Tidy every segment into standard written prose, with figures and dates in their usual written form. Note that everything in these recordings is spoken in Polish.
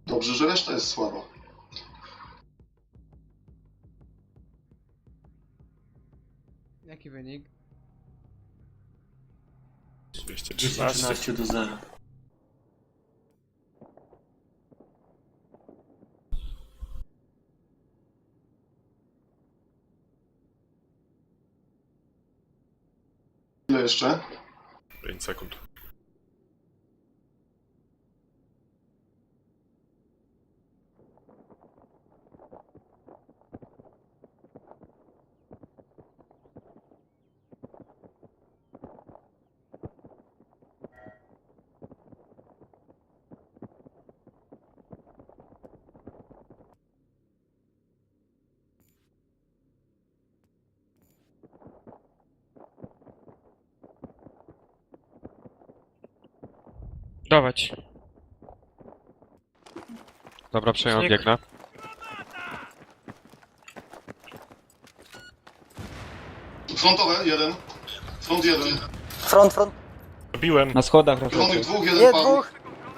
Dobrze, że reszta jest słaba. Jaki wynik? 213 do 0. Ile jeszcze? 5 sekund. Dawać. Dobra, przejąłem, Śnieg. biegnę. Frontowe, jeden. Front jeden. Front. Zabiłem, Na schodach Czerwonych raczej. dwóch, jeden Nie, padł. dwóch.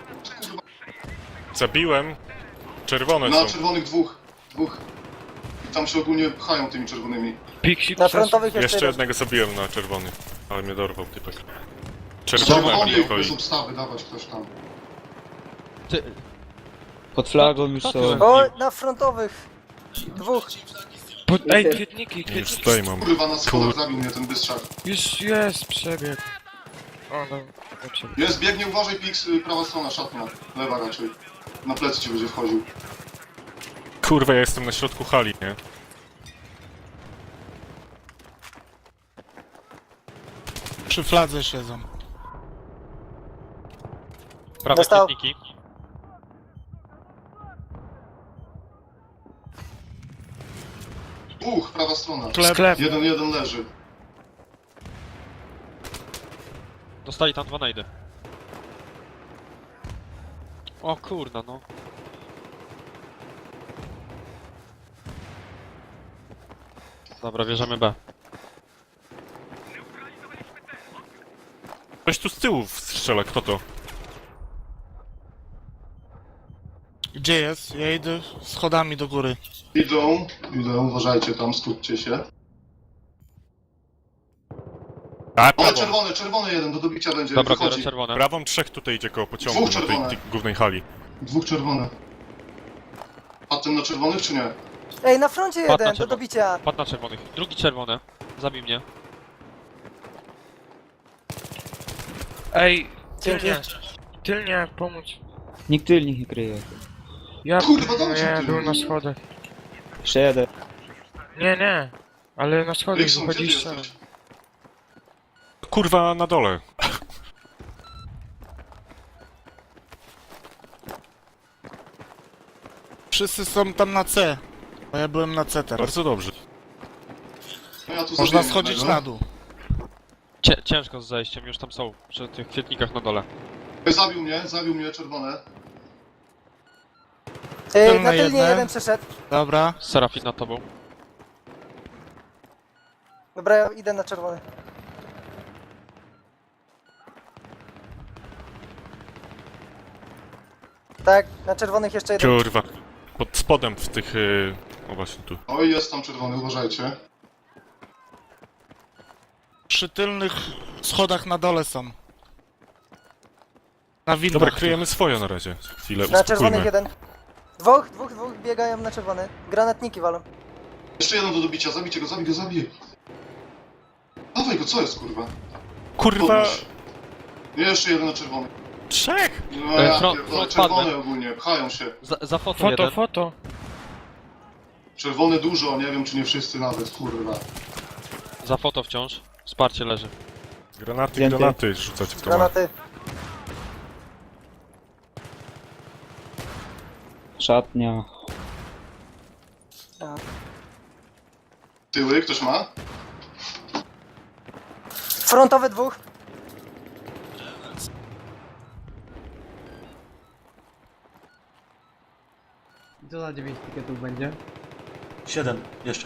zabiłem. Czerwone Na są. czerwonych dwóch. I tam się ogólnie pchają tymi czerwonymi. Pixie Na frontowych jeszcze Jeszcze jeden. jednego zabiłem na czerwony, ale mnie dorwał typek. Czerwone mnie Czerwonych goi. bez obstawy dawać ktoś tam. Pod flagą już kto są. to? O, na frontowych. Dwóch. Ej, kwietniki, Już kwietniki. tutaj mam. Kurwa, na schodach zabił mnie ten bystrzak. Już jest przebieg. O, no, dobrze. Jest, biegnie, uważaj, Pix, prawa strona, szatnia. Lewa raczej. Na plecy ci będzie wchodził. Kurwa, ja jestem na środku hali, nie? Przy fladze siedzą. Prawe Dostał. kwietniki. Dwóch, prawa strona. Sklep. Jeden leży. Dostali tam 2 najdy. O kurna, no. Dobra, bierzemy B. Ktoś tu z tyłu strzela, kto to? Gdzie jest? Ja idę schodami do góry. Idą, uważajcie tam, skupcie się. A, Ale prawą. czerwony jeden, do dobicia będzie, Dobra, biorę wychodzi. czerwone. Prawą 3 tutaj idzie koło pociągu Dwóch na tej czerwone. głównej hali. Dwóch czerwone. A ten na czerwonych, czy nie? Ej, na froncie Padł na jeden, do czerwono. dobicia. Padł na czerwonych. Drugi czerwony. Zabij mnie. Ej, Dzięki. tylnie, pomóc. Nikt tylnych nie kryje. Ja Kurwa, dobrze, nie, ty. był na schodach. Jeszcze jeden. Nie, ale na schodach Rikson, gdzie ty wychodzisz sam. jesteś? Kurwa, na dole. Wszyscy są tam na C. Bo ja byłem na C teraz. Bardzo dobrze. No ja tu Można zabiję schodzić jednego. na dół. Ciężko z zejściem, już tam są. Przy tych kwietnikach na dole. Zabił mnie, czerwone. Ej, Tylne na tylnie jedne. jeden przeszedł. Dobra. Serafin nad tobą. Dobra, ja idę na czerwony. Tak, na czerwonych jeszcze jeden. Kurwa. Pod spodem w tych... O właśnie tu. Oj, jest tam czerwony, uważajcie. Przy tylnych schodach na dole są. Na winach. Dobra, kryjemy swoje na razie. Chwilę, Na czerwonych uspokójmy. jeden. Dwóch biegają na czerwony. Granatniki walą. Jeszcze jeden do dobicia, zabijcie go, zabij. Dawaj go, co jest, kurwa? Kurwa! Podnoś. Jeszcze jeden na czerwony. 3! No ja front pierdolę, padnę. czerwone ogólnie, pchają się. Za foto Foto, jeden. foto. Czerwone dużo, nie wiem czy nie wszyscy nawet, kurwa. Za foto wciąż. Wsparcie leży. Zdjęty. Granaty rzucać w to ma. Granaty. Szatnia. Tyły, ktoś ma? Frontowe dwóch. Co za 9 piketów będzie? 7 jeszcze.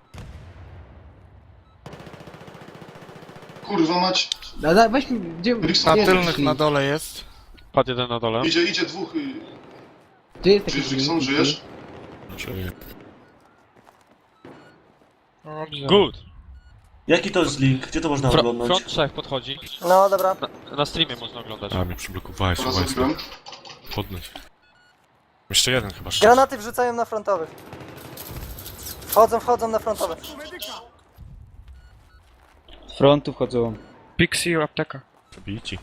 Kurwa mać. Weź mi, gdzie... Rikson, Na nie, tylnych na dole jest. Padł jeden na dole. Idzie dwóch. Gdzie jest taki Żyjesz, Rickson, żyjesz? Czyli... Dobrze. Good! Jaki to jest link? Gdzie to można oglądać? Front 3 podchodzi. No dobra. Na streamie można oglądać. A, mnie przyblokowałeś, Dobra, słuchaj, zabiłem. podnieś. Jeszcze jeden chyba szczyt. Granaty wrzucają na frontowych. Wchodzą na frontowe. Z frontu wchodzą. Pixie, apteka. Bici.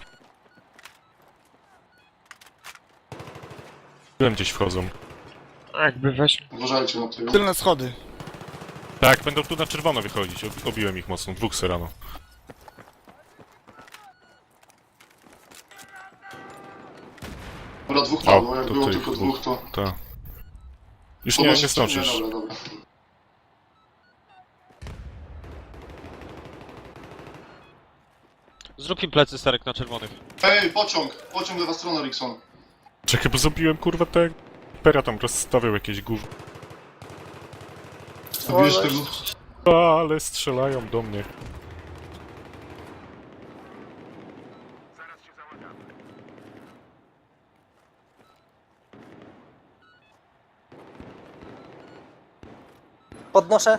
Byłem gdzieś wchodzą. Jakby weź. Uważajcie na tył. Tylne schody. Tak, będą tu na czerwono wychodzić. Obiłem ich mocno, dwóch serano. Dobra, dwóch padło, O, jak to było tych tylko dwóch. dwóch, to... Tak. Już nie zdążysz. Dobra, dobra. Zrób im plecy, Serek, na czerwonych. Ej, pociąg lewa strona, Rickson. Czekaj, bo zabiłem kurwa te... Pera tam rozstawiał jakieś gówno. Zabijesz tego... Ale strzelają do mnie. Podnoszę.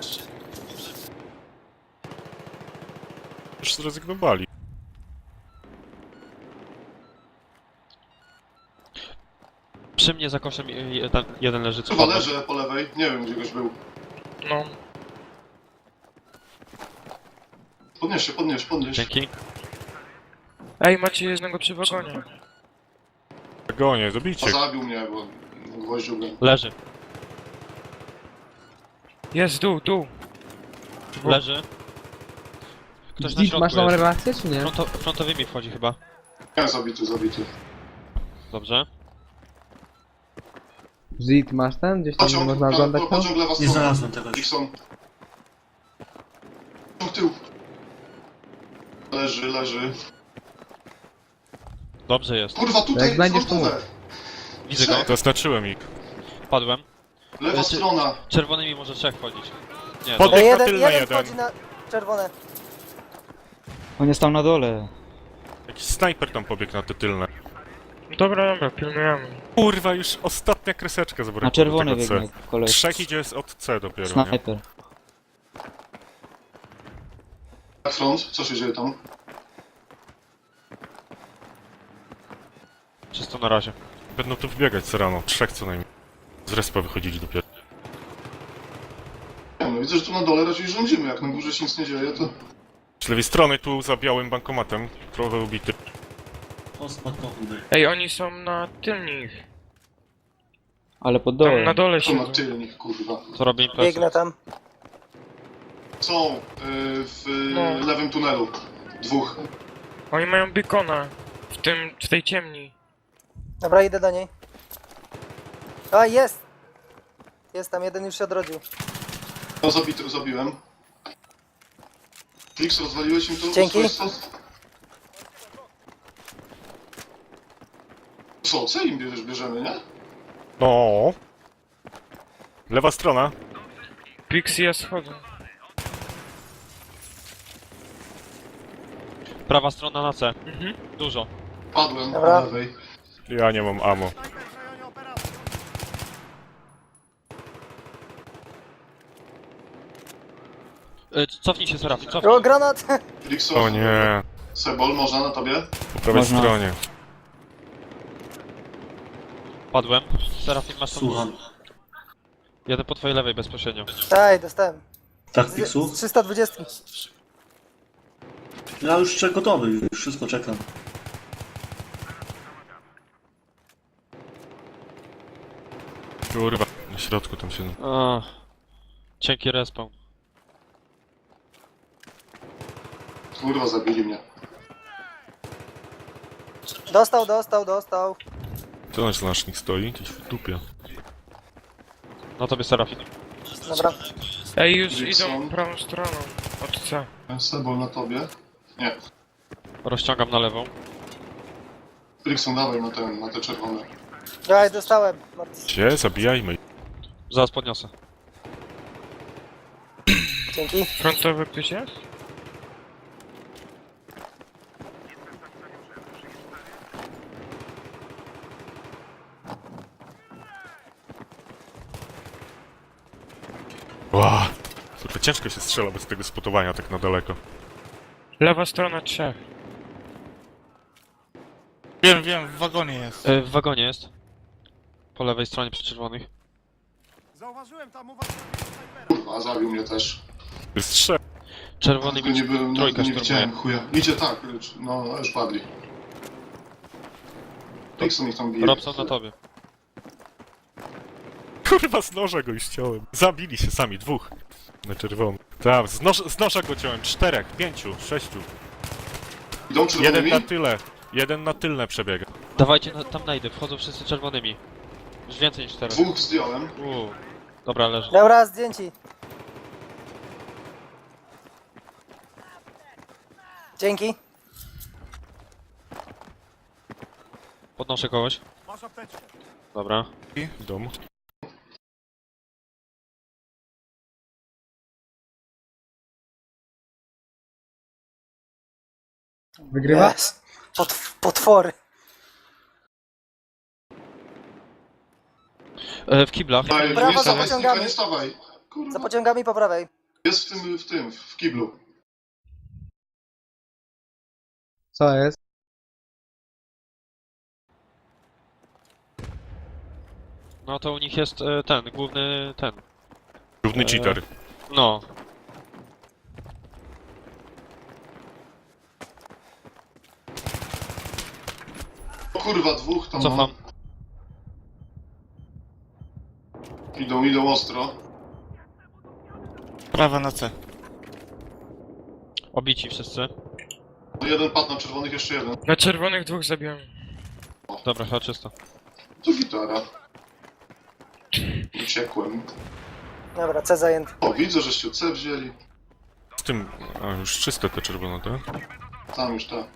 Już zrezygnowali. Przy mnie za koszem jeden leży. co Chyba padł. leży po lewej, nie wiem gdzie goś był. No. Podnieś. Dzięki. Ej, macie jednego przy wagonie. Gonię, A zabijcie. zabił mnie, bo gwoździł mnie. Leży. Jest, dół. Leży. Ktoś na Zik, środku masz tą jest. relację, czy nie? Frontowymi wchodzi chyba. Nie, zabity. Dobrze. Zit, masz ten? Gdzieś tam nie Pociąg, można oglądać to? pociąg lewa Nie strona. znalazłem tego. Rickson. Pociąg tył. Leży. Dobrze jest. Kurwa, tutaj Jak znajdziesz, to frontowe. Widzę go. Zaznaczyłem ich. Padłem. Lewa strona. Czerwonymi może trzech wchodzić. Nie, Pod- dobra. na tylne Jeden jeden. wchodzi na czerwone. On jest tam na dole. Jakiś snajper tam pobiegł na te tylne. Dobra, pilnujemy. Kurwa, już ostatnia kreseczka zabrakła Na czerwone do tego biegnie C. koleś. Trzech idzie od C dopiero, nie? Snajper. Tak, front, co się dzieje tam? Czysto na razie. Będą tu wbiegać Serano, trzech co najmniej. Z respa wychodzili dopiero. Nie no, widzę, że tu na dole raczej rządzimy, jak na górze się nic nie dzieje, to... Z lewej strony tu za białym bankomatem, trochę ubity. O, spadkowy. Ej, oni są na tylnych. Ale pod Tam na dołem. dole To na siedzą. tylnik, kurwa. To robię im plecy. Biegnę tam. Są w No. lewym tunelu. Dwóch. Oni mają beacona. W tej ciemni. Dobra, idę do niej. A, jest! Jest tam, jeden już się odrodził. No, zabiłem. Flix, rozwaliłeś im to? Dzięki. Co im bierzemy, nie? No. Lewa strona. Pixie, ja schodzę. Prawa strona na C. Mhm. Dużo. Padłem Dobra. po lewej. Ja nie mam ammo. Cofnij się, Serafin, cofnij. O, granat! Flixo, O nie. Sebol, można na tobie? Po prawej Można. stronie. Padłem. Serafin, masz tam... Słucham. Jeden po twojej lewej bezpośrednio. Ej, dostałem. Tak, Z Pixu? 320. Ja już gotowy, już wszystko czekam. Kurwa, na środku tam się... Cienki respawn. Kurwa, zabili mnie. Dostał. To nasz znacznik stoi, gdzieś w dupie. Na tobie, Serafin. Dobra. Ej, już Rickson. idą prawą stroną. Od C. Sebol na tobie? Nie. Rozciągam na lewą. Flixon, dawaj na te czerwone. Ej, dostałem. Martis. Gdzie? Zabijajmy. Zaraz podniosę. Dzięki. Frontowy ktoś jest? Ła! Kurwa, ciężko się strzela bez tego spotowania tak na daleko. Lewa strona 3. Wiem, w wagonie jest. W wagonie jest. Po lewej stronie przy czerwonych. Kurwa, zabił mnie też. Jest trzech. Czerwony Tylko nie byłem, trójka nie szturmuje. widziałem chuja. Idzie tak, no już padli. Dixon ich tam bije. Robson na tobie. Kurwa, z noża go już ściąłem. Zabili się sami, dwóch. Na czerwono. Tam, z noża go ciąłem. 4, 5, 6. Idą Jeden czerwonymi? na tyle. Jeden na tylne przebiega. Dawajcie tam najdę, wchodzą wszyscy czerwonymi. Już więcej niż 4. Dwóch zdjąłem. Dobra, leży. Dobra, zdjęci. Dzięki. Podnoszę kogoś. Dobra. Dom. Wygrywa? Yes. Potwory. W kiblach. Daj, Brawo, nie za stawaj, pociągami. Snika, nie stawaj. Za Kurwa. pociągami po prawej. Jest w kiblu. Co jest? No to u nich jest ten, główny ten. Równy cheater. No. O kurwa, dwóch tam Cofam. Idą ostro. Prawa na C. Obici wszyscy. Jeden padł na czerwonych, jeszcze jeden. Na czerwonych 2 zabiłem. Dobra, chyba czysto. Tu gitara. Uciekłem. Dobra, C zajęty. O, widzę, żeście C wzięli. Z tym... A, już czyste te czerwone, tak? Tam już tak.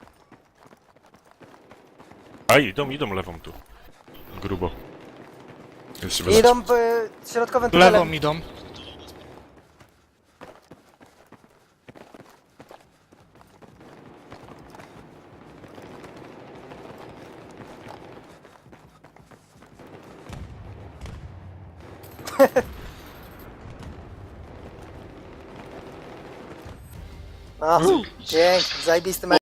A, idą lewą tu. Grubo. Jest się Idą środkowym tunelem. Lewą idą. No, dzięki, zajebisty mecz.